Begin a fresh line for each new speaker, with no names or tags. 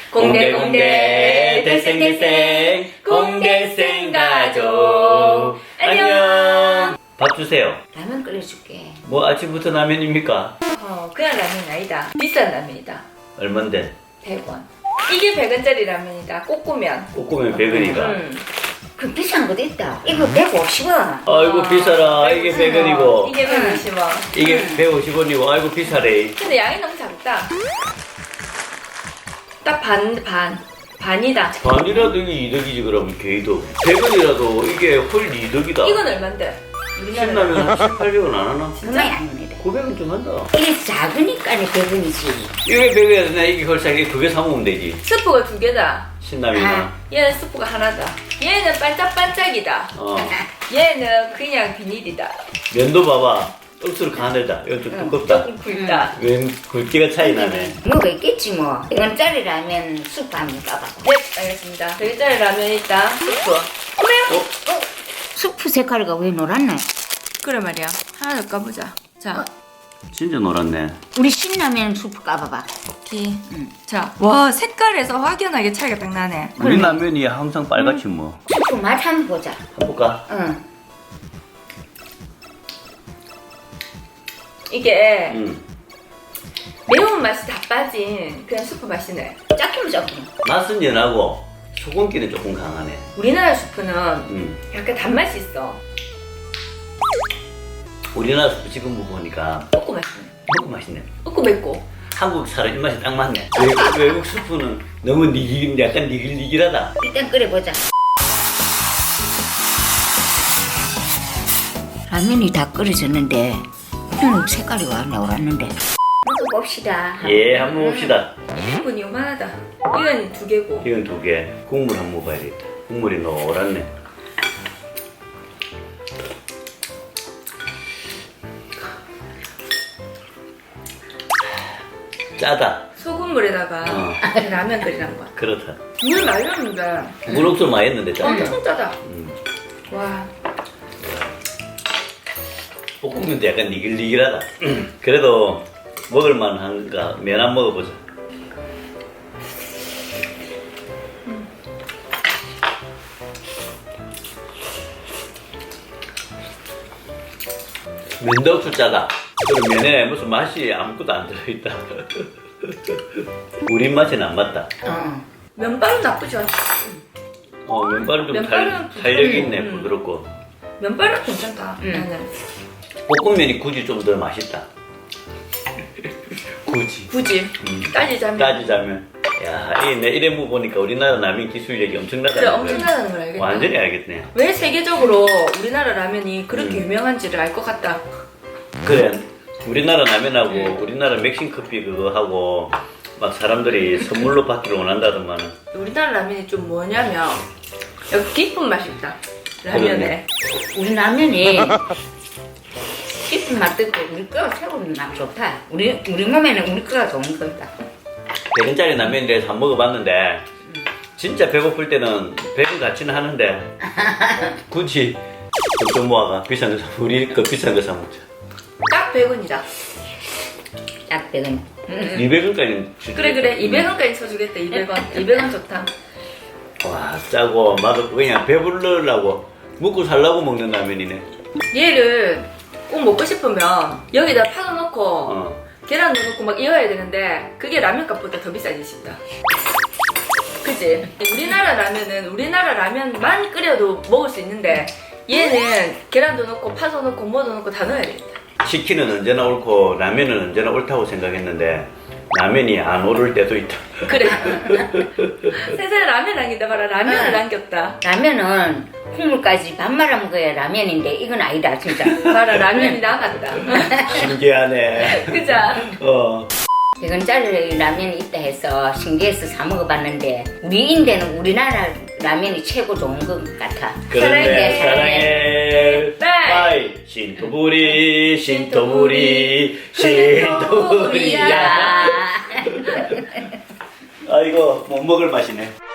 공대 대생대생 공대생 가족 안녕. 밥 주세요.
라면 끓여줄게.
뭐 아침부터 라면입니까?
그냥 라면 아니다. 비싼 라면이다.
얼만데?
100원. 이게 100원짜리 라면이다. 꼬꾸면.
꼬꾸면 100원이가.
그 비싼 것도 있다. 이거 150원.
아이고 비싸라. 이게 100원이고
이게 150원.
이게 150원이고 아이고 비싸래.
근데 양이 너무 작다. 딱 반이다.
반이라도 이게 이득이지. 그러면 개이득. 100원이라도 이게 헐 이득이다.
이건 얼만데?
신라면 한 7, 800원 안 하나?
정말 안 합니다.
900원 좀 한다.
이게 작으니까 100원이지.
이게 100원이야. 이게 헐싸게 그게 사먹으면 되지.
스프가 2개다.
신라면이나.
얘는 스프가 하나다. 얘는 반짝반짝이다. 얘는 그냥 비닐이다.
면도 봐봐. 억수로 가늘다. 이건 좀 두껍다.
조금 굵다.
웬 굵기가 차이 나네.
뭐가 있겠지 뭐. 이건 짜리 라면 수프 한번 까봐. 네, 알겠습니다. 100원짜리 라면 있다. 수프. 그래요? 수프 색깔이가 왜 노랗네? 그래 말이야. 하나 더 까보자. 자.
진짜 노랗네.
우리 신라면 수프 까봐봐. 오케이. 자. 와, 색깔에서 확연하게 차이가 딱 나네.
우리 라면이 항상 빨갛지 뭐.
수프 맛 한번 보자.
한번 볼까?
응. 이게 매운맛이 다 빠진 그냥 수프 맛이네. 짝기면 짝기.
맛은 연하고 소금기는 조금 강하네.
우리나라 수프는 약간 단맛이 있어.
우리나라 수프 지금 먹어보니까
맵고 맛있네.
먹고 맛있네.
맵고 맵고.
한국 사람 입맛이 딱 맞네. 외국 수프는 너무 약간 니글니글하다.
일단 끓여보자. 라면이 다 끓여졌는데 색깔이 와 나왔는데. 한번 봅시다.
예, 한번 봅시다.
이건 요만하다. 이건 2개고.
이건 2개. 국물 한번 먹어야겠다. 국물이 노랗네. 짜다.
소금물에다가 라면 끓이란 거야.
그렇다.
물 말렸는데
물 억수로 많이 했는데 짜다.
엄청 짜다. 와.
볶음면도 약간 니글니글하다. 그래도 먹을만한가? 면 안 먹어보자. 면도 억수 짜다. 그리고 면에 무슨 맛이 아무것도 안 들어있다. 우리 맛에는 안 맞다.
면발은 나쁘지 않아.
면발은 좀
면발은
탄력이 있네. 부드럽고.
면발은 괜찮다. 나는.
볶음면이 굳이 좀 더 맛있다.
굳이 따지자면.
따지자면. 야, 이래 보니까 우리나라 라면 기술력이 엄청나다.
그래, 엄청나다는 걸 알겠다.
완전히 알겠네.
왜 세계적으로 우리나라 라면이 그렇게 유명한지를 알 것 같다.
그래, 우리나라 라면하고 우리나라 맥심 커피 그거 하고 막 사람들이 선물로 받기를 원한다더만은.
우리나라 라면이 좀 뭐냐면 여기 깊은 맛이 있다. 라면에. 우리 라면이 깊은 맛도 있고 우리 거가 최고로 맛 좋다. 우리 몸에는 우리 거가 좋은 거다.
100원짜리 라면에 대해서 안 먹어봤는데 진짜 배고플 때는 100원 가치는 하는데 굳이 돈 모아가 비싼 거 사, 우리 거 비싼 거 사 먹자.
딱 100원이다. 딱 100원.
200원까지 주지.
그래 200원까지 쳐주겠다. 200원. 200원 좋다.
와, 짜고 맛없고 그냥 배부르려고 먹고 살라고 먹는 라면이네.
얘를 꼭 먹고 싶으면 여기다 파도 넣고 계란도 넣고 막 이어야 되는데 그게 라면 값보다 더 비싸지 싶다. 그치? 우리나라 라면은 우리나라 라면만 끓여도 먹을 수 있는데 얘는 계란도 넣고 파도 넣고 뭐도 넣고 다 넣어야 되겠다.
치킨은 언제나 옳고 라면은 언제나 옳다고 생각했는데 라면이 안 오를 때도 있다.
그래. 세상에 라면 남긴다 봐라. 라면을 남겼다. 라면은 국물까지 밥 말아 먹어야 라면인데 이건 아니다 진짜. 봐라 라면이 나갔다.
신기하네.
그죠?
100원짜리 라면이 있다 해서 신기해서 사 먹어봤는데 우리 인대는 우리나라 라면이 최고 좋은 것 같아.
그런데
사랑해.
사랑해. 빠이. 신토부리야.
야.
아, 이거 못 먹을 맛이네.